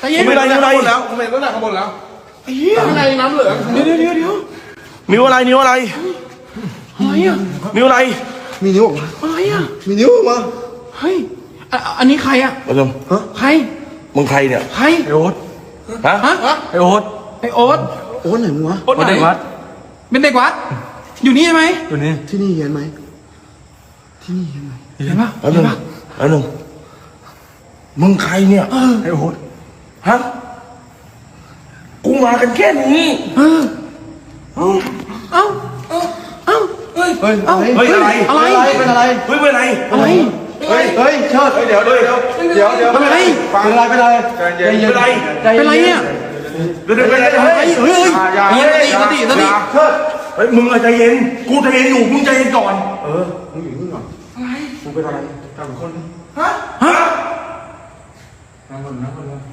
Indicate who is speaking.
Speaker 1: ใจเย็น
Speaker 2: มีอะไรมีอะไร
Speaker 3: แล้วผมเห็นตั้งแต่ข้างบนแล้ว
Speaker 1: ไอ้เหี้ย
Speaker 3: ข้างในน้ำเหลือง
Speaker 1: เดี๋ยว
Speaker 2: นิ้วอะไรนิ้วอะไร
Speaker 1: อะไรอ่ะ
Speaker 2: นิ้วอะไร
Speaker 3: มีนิ้วออกมา
Speaker 1: อะไรอ่ะ
Speaker 3: มีนิ้วออกมา
Speaker 1: เฮ้ยอันนี้ใครอ่ะ
Speaker 2: มาชม
Speaker 1: ใคร
Speaker 2: มึงใครเนี่ย
Speaker 1: ใคร
Speaker 4: ไอโอ๊ต
Speaker 2: ฮะ
Speaker 1: ฮะ
Speaker 4: ไอโอ๊ต
Speaker 1: ไอโอ๊ต
Speaker 3: โอ้ไหนมึงวะ
Speaker 1: โอ๊ตไหน
Speaker 4: เด็กวัด
Speaker 1: เป็นเด็กวัดอยู่นี่ใช่ไหม
Speaker 4: อยู่นี่
Speaker 3: ที่นี่เห็นไหมที่นี่เห็นไหม
Speaker 1: เห็นปะ
Speaker 2: แล้ว
Speaker 1: เห็
Speaker 2: นึ
Speaker 1: น
Speaker 2: ง
Speaker 1: ปะ
Speaker 2: แล้วนึงมึงใครเนี่ย
Speaker 4: ไอโอ๊ต
Speaker 2: ฮะกูมากันแค่นี้
Speaker 1: เอ้าเฮ้ย
Speaker 3: เฮ้ย
Speaker 1: เอ้า
Speaker 2: เฮ้ยอะไร
Speaker 1: อะไร
Speaker 3: เป็นอะไร
Speaker 2: เฮ้ยเป็นไร
Speaker 1: อะไร
Speaker 3: เฮ้ยเชิดเดี๋ยว
Speaker 1: เป็นอะไร
Speaker 3: เป็นอะไรใจเย็น
Speaker 2: เป็นไร
Speaker 1: เป็นไรเนี่ย
Speaker 2: เดี๋ยวเป็นไร
Speaker 1: เฮ้ยเฮ้ยสติ
Speaker 3: เชิด
Speaker 2: เฮ้ยมึงใจเย็นกูใจเย็นอยู่มึงใจเย็นก่อน
Speaker 3: มึงอยู่นี่ก่อนอะไรมึงเป็นอะไรกับคน
Speaker 1: ฮะ
Speaker 2: ฮะ
Speaker 3: นั่งคน